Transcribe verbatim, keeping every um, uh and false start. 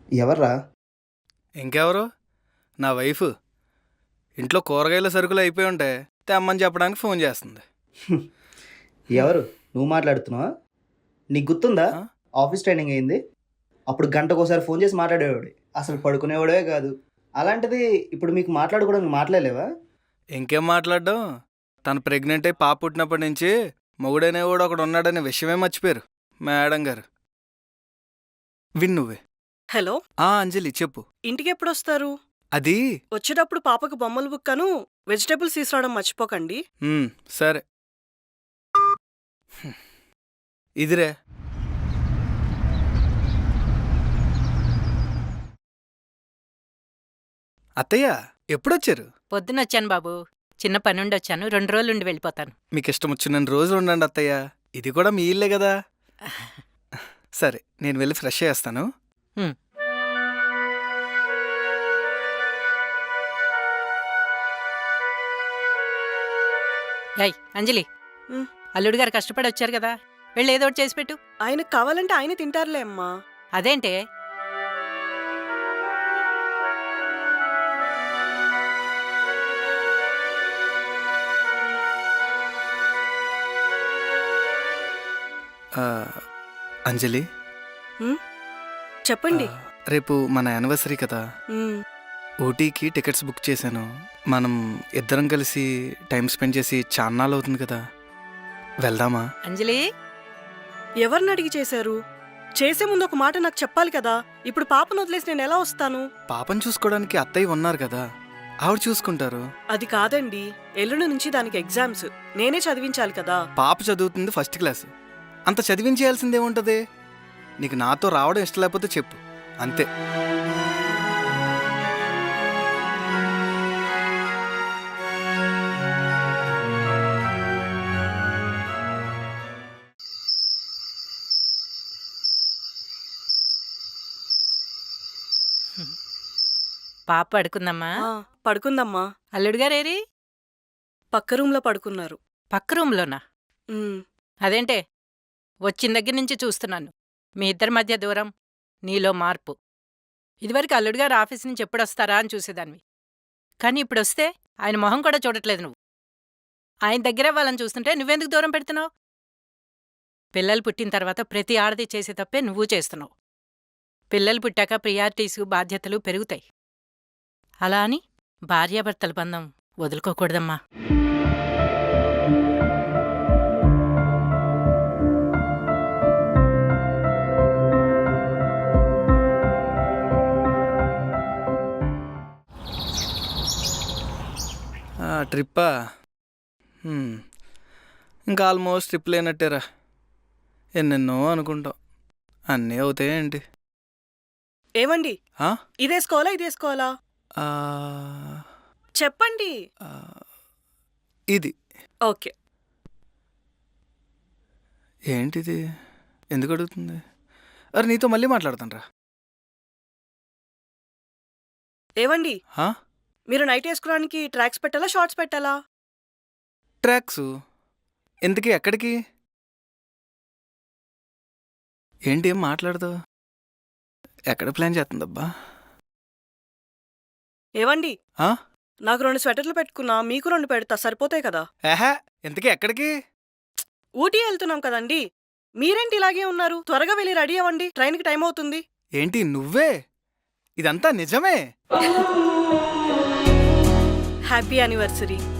ఎవర్రా? ఇంకెవరు? నా వైఫ్. ఇంట్లో కూరగాయల సరుకులు అయిపోయి ఉంటే తెమ్మని చెప్పడానికి ఫోన్ చేస్తుంది. ఎవరు? నువ్వు మాట్లాడుతున్నావా? నీకు గుర్తుందా? ఆ? ఆఫీస్ ట్రైనింగ్ అయింది, అప్పుడు గంటకోసారి ఫోన్ చేసి మాట్లాడేవాడు, అసలు పడుకునేవాడే కాదు. అలాంటిది ఇప్పుడు మీకు మాట్లాడుకోవడానికి మాట్లాడలేవా? ఇంకేం మాట్లాడడం, తను ప్రెగ్నెంట్ అయి పాప పుట్టినప్పటి నుంచి మొగుడనేవాడు ఒకడు ఉన్నాడనే విషయమే మర్చిపోయారు మేడం గారు. విన్ నువ్వే. హలో, ఆ అంజలి చెప్పు. ఇంటికి ఎప్పుడు వస్తారు? అది వచ్చేటప్పుడు పాపకు బొమ్మలు బుక్కను వెజిటేబుల్స్ తీసుకురావడం మర్చిపోకండి. ఉమ్, సరే. హ్మ్. ఇదిరే. అత్తయ్య ఎప్పుడొచ్చారు? పొద్దునొచ్చాను బాబు. చిన్న పనుండి వచ్చాను. రెండు రోజులుండి వెళ్ళిపోతాను. మీకు ఇష్టం వచ్చిన రోజులు ఉండండి అత్తయ్య, ఇది కూడా మీ ఇల్లే కదా. సరే, నేను వెళ్ళి ఫ్రెష్ చేస్తాను. హ్మ్. యాయ్ అంజలి, ఉమ్. అల్లుడు గారు కష్టపడి వచ్చారు కదా, వెళ్ళి ఏదో ఒకటి చేసి పెట్టు. ఆయనకు కావాలంటే ఆయన తింటారులే అమ్మా. అదేంటే? ఆ, అంజలి, ఉమ్, చెప్పండి. ఆ, రేపు మన యానివర్సరీ కదా, ఉమ్, ఊటీకి టికెట్స్ బుక్ చేశాను. మనం ఇద్దరం కలిసి టైం స్పెండ్ చేసి చాన్నాళ్ళు అవుతుంది కదా, వెళ్దామా? అంజలి, ఎవరిని అడిగి చేశారు? చేసే ముందు ఒక మాట నాకు చెప్పాలి కదా. ఇప్పుడు పాపను వదిలేసి నేను ఎలా వస్తాను? పాపను చూసుకోవడానికి అత్తయ్య ఉన్నారు కదా, ఆవిడ చూసుకుంటారు. అది కాదండి, ఎల్లుండి నుంచి దానికి ఎగ్జామ్స్, నేనే చదివించాలి కదా. పాప చదువుతుంది ఫస్ట్ క్లాస్, అంత చదివించేయాల్సిందేముంటది? నీకు నాతో రావడం ఇష్టం లేకపోతే చెప్పు, అంతే. పాప పడుకుందమ్మా. ఆ, పడుకుందమ్మా. అల్లుడు గారేరి? పక్క రూమ్లో పడుకున్నారు. పక్క రూమ్లోనా? ఉమ్, అదేంటే, వచ్చిన దగ్గర నుంచి చూస్తున్నాను మీ ఇద్దరి మధ్య దూరం, నీలో మార్పు. ఇదివరకు అల్లుడు గారు ఆఫీస్ నుంచి ఎప్పుడొస్తారా అని చూసేదానివి, కానీ ఇప్పుడొస్తే ఆయన మొహం కూడా చూడట్లేదు నువ్వు. ఆయన దగ్గర వాళ్ళని చూస్తుంటే నువ్వెందుకు దూరం పెడుతున్నావు? పిల్లలు పుట్టిన తర్వాత ప్రతి ఆడది చేసే తప్పే నువ్వు చేస్తున్నావు. పిల్లలు పుట్టాక ప్రియారిటీసు బాధ్యతలు పెరుగుతాయి. అలా అని భార్యాభర్తల బంధం వదులుకోకూడదమ్మా. ఆ, ట్రిప్పా? హ్మ్. ఇంకా ఆల్మోస్ట్ ట్రిప్ లేనట్టేరా. ఎన్నెన్నో అనుకుంటాం, అన్నీ అవుతాయేంటి? ఏమండి, ఆ? ఇదేసుకోవాలా ఇదేసుకోవాలా ఆ, చెప్పండి. ఆ, ఇది ఓకే. ఏంటిది? ఎందుకు అడుగుతుంది? అరే నీతో మళ్ళీ మాట్లాడతాను రా. ఏవండి, ఆ? మీరు నైట్ వేసుకోవడానికి ట్రాక్స్ పెట్టాలా షార్ట్స్ పెట్టాలా? ట్రాక్స్. ఎందుకు? ఎక్కడికి? ఏంటి ఏం మాట్లాడదు? ఎక్కడ ప్లాన్ చేస్తుందబ్బా? ఏవండి, ఆ? నాకు రెండు స్వెటర్లు పెట్టుకున్నా, మీకు రెండు పెడతా, సరిపోతాయి కదా. ఏహే, ఇంతకీ ఎక్కడికి? ఊటీ వెళ్తున్నాం కదండి. మీరేంటి ఇలాగే ఉన్నారు? త్వరగా వెళ్ళి రెడీ అవ్వండి, ట్రైన్కి టైం అవుతుంది. ఏంటి నువ్వే? ఇదంతా నిజమే? Happy anniversary.